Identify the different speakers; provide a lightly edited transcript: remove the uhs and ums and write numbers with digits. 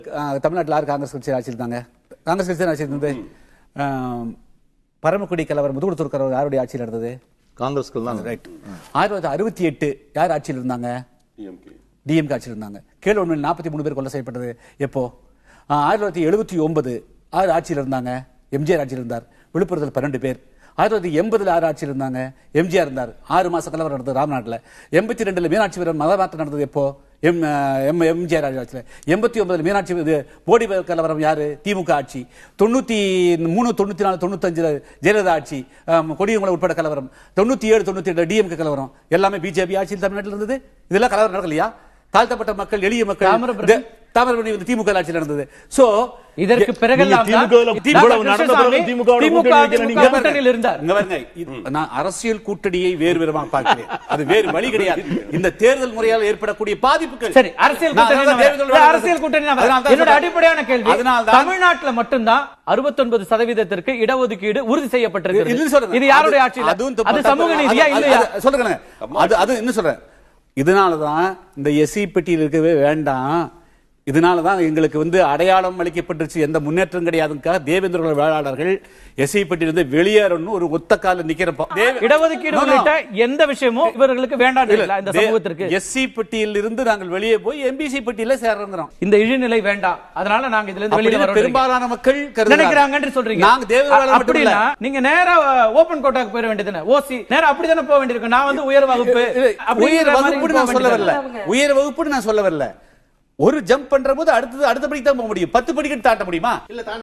Speaker 1: தமிழ்நாட்டில் யார் காங்கிரஸ் கட்சி ஆட்சி இருந்தாங்க? காங்கிரஸ் கட்சி ஆட்சி இருந்தது. பரமக்குடி கலவரம், முதுகுடுத்தூர் கலவரம் யாருடைய ஆட்சியில் இருந்தது?
Speaker 2: காங்கிரஸ் தான். ரைட்.
Speaker 1: 1968 யார் ஆட்சியில் இருந்தாங்க? டிஎம்கே ஆட்சியில் இருந்தாங்க. கேளுவன்மையில் 43 பேர் கொலை செய்யப்பட்டது எப்போ? 1979 யார் ஆட்சியில் இருந்தாங்க? எம்ஜிஆர் ஆட்சியில் இருந்தார். விழுப்புரத்தில் 12 பேர். 1980 யார் ஆட்சியில் இருந்தாங்க? எம்ஜிஆர் இருந்தார். 6 மாச கலவரம் நடந்தது ராம்நாட்டில். 82 மீனாட்சி வீரன் மத மாற்றம் நடந்தது எப்போ? எம்ஜிஆர் ஆட்சியில். 89 மீனாட்சி போடி கலவரம் யாரு? திமுக ஆட்சி. 93, 94, 95 ஜெயலலிதா ஆட்சி, கொடியங்குளம் உட்பட கலவரம். 97, 98 டிஎம்கே கலவரம். எல்லாமே பிஜேபி ஆட்சியில் தமிழ்நாட்டில் இருந்தது. இதெல்லாம் கலவரம் நடக்கலையா? தாழ்த்தப்பட்ட மக்கள், எளிய மக்கள், தாமிரபரணி திமுக ஆட்சியில் நடந்தது. சோ
Speaker 3: இதற்கு பிறகு
Speaker 1: அரசியல் கூட்டணியை வேறு விதமாக பார்க்கிறேன். அது வேறு வழி கிடையாது. இந்த தேர்தல் முறையால் ஏற்படக்கூடிய பாதிப்புகள்.
Speaker 3: சரி, அரசியல் கூட்டணி என்னோட அடிப்படையான கேள்வி. தமிழ்நாட்டில் மட்டும்தான் 69% இடஒதுக்கீடு உறுதி செய்யப்பட்டிருக்கு. இது யாருடைய ஆட்சி? அது சமூக நீதியா இல்லையா?
Speaker 1: சொல்லுங்க. அது என்ன சொல்றேன், இதனாலதான் இந்த எஸ்சி பெட்டியில் இருக்கவே வேண்டாம். இதனாலதான் எங்களுக்கு அடையாளம் அளிக்கப்பட்டுருச்சு, எந்த முன்னேற்றம் கிடையாதுக்காக தேவேந்திர வேளாளர்கள் எஸ்சி பெட்டியிலிருந்து வெளியேறணும் ஒரு ஒத்த கால நிக்கிறப்ப
Speaker 3: இடஒதுக்கீடு உள்ளிட்ட எந்த விஷயமும் இவர்களுக்கு வேண்டாம். இந்த சமூகத்திற்கு
Speaker 1: எஸ்சி பெட்டியில் இருந்து நாங்கள் வெளியே போய் எம்பிசி பெட்டியில சேர்றோம்.
Speaker 3: இந்த இழிநிலை வேண்டாம், அதனால நாங்க இதுல இருந்து வெளியே வரோம்
Speaker 1: பெரும்பாலான மக்கள்
Speaker 3: நினைக்கிறாங்கன்னு சொல்றீங்க.
Speaker 1: நாங்க தேவேந்திர
Speaker 3: அப்படினா நீங்க நேரா ஓபன் கோட்டாக்கு போக வேண்டியதுதானே? ஓசி நேரா அப்படிதானே போக வேண்டியிருக்கு. நான் உயர் வகுப்பு
Speaker 1: நான் சொல்ல வரல. உயர் வகுப்புன்னு நான் சொல்ல வரல. ஒரு ஜம்ப் பண்ற போது அடுத்த படிக்கு தான் போக முடியும். 10 படிக்கட்டு தாண்ட முடியுமா?